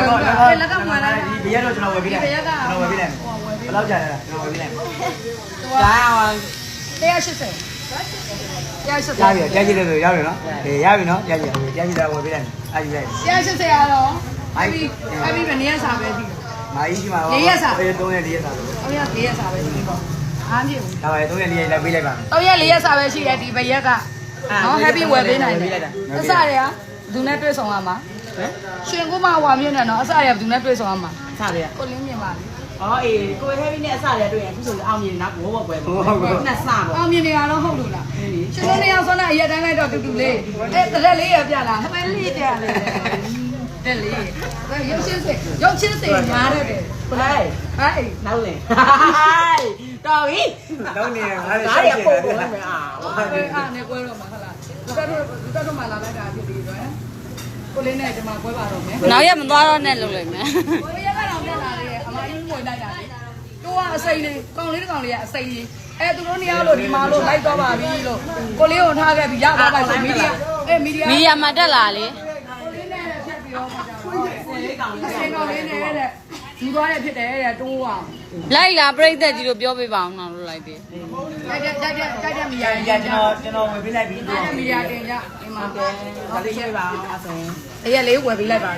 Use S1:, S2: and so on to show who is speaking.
S1: แล้วก็มาแล้ว
S2: ဒီရက်တော့ကျွန်တော်ဝယ်ပေးလိုက်ကျွန်တော်ဝယ်ပေးလိုက်ဘယ်လောက်ကြာလဲကျွန်တော်ဝယ်ပေးလိုက်ဒါအောင်
S1: 180
S2: ရပြီကြာကြည့်တယ်ဆိုရပြီနော်ရပြီနော်ကြာကြည့်တာဝယ်ပေးလိုက်အားယူလိုက်
S1: 180ကတော့အဲ့ဒီဘယ်နေရစာပဲဒီ
S2: မာကြီးရှိမှာ
S1: 4ရက်စာ
S2: 3ရက်4ရက်စာလို့
S1: 3ရက်4ရက်စာပဲဒီပေါ့အားပြေဘူး
S2: ဒါပါလေ3ရက်4ရက်လိုက်ပေးလိုက်ပါ
S1: 3ရက်4ရက်စာပဲရှိတယ်ဒီဘရက်ကနော် happy ဝယ်ပေးနိုင်တယ်အစတွေကသူနဲ့တွေ့ဆုံရမှာရှင်ကိုမဝါမြင့်နဲ့နော်အစတွေကသူနဲ့တွေ့ဆုံရမှာ
S3: အစတွေက
S1: ကိုလင်းမြင်ပါလေ
S3: အော်အေးကိုဟဲဗီနဲ့အစတွေကတွေ့ရင်အခုဆိုအောင်မြင်နောက်ဘောပွဲပေါ့နှစ်စပေါ့
S1: အောင်မြင်နေရတော့ဟုတ်လို့လားရှင်တို့နေအောင်ဆောင်းတဲ့အရက်တိုင်းလိုက်တော့တူတူလေးအဲ့တရက်လေးရပြလားဟမဲလေးပြလေတဲ့လေရုပ်ချင်းစိတ်ညားတဲ့တယ်
S3: ကိုလိုက်
S1: ဟဲ့
S3: နောက်လေတော်ပြီ
S2: တော့နေငါလည်း
S3: ဒါရပို့ပို့လိုက်မယ်အာ
S1: အားနဲ့ကွဲတော့မှာဟုတ်လားလူတက်မှလာလိုက်တာဖြစ်ပြီးတော့ကိုလေးနဲ့ဒီမှာကွဲပါတော့မယ်
S4: နောက်ရက်မသွားတော့နဲ့လုပ်လိုက်မယ်
S1: ကိုရက်ကတော့တက်လာတယ်အမကြီးငွေလိုက်တာလေတို့ကအစိမ့်လေးကောင်လေးတစ်ကောင်လေးကအစိမ့်လေးအဲသူတို့နေရာလို့ဒီမှာလို့လိုက်တော့ပါပြီလို့ကိုလေးကိုထားခဲ့ပြီးရသွားပါဆိုမီဒီယာမီဒီ
S4: ယာမှာတက်လာလေ
S1: ကိုလေးနဲ့ဖြတ်ပြီးတော့မှာကြောက်
S3: ကိုလေးကောင်လေး
S1: စိန်ကောင်လေးနဲ့တဲ့ယူသွားတဲ့ဖြစ်တယ်တဲ့တိုးအောင်
S4: လိုက်လာပြိသက်ကြီးတို့ပြောပြပါအောင်တော့လုပ်လိုက်ပြီ
S1: ကြိုက်မီယာ
S2: ကျွန်တော်ဝယ်ပေးလိုက်ပြီ
S1: ကြိုက်မီယာတင်ကြဒီမှာ
S3: ဒါလေးရေးပါအောင်အစင်
S1: အဲ့ရလေးဝယ်ပေးလိုက်ပါ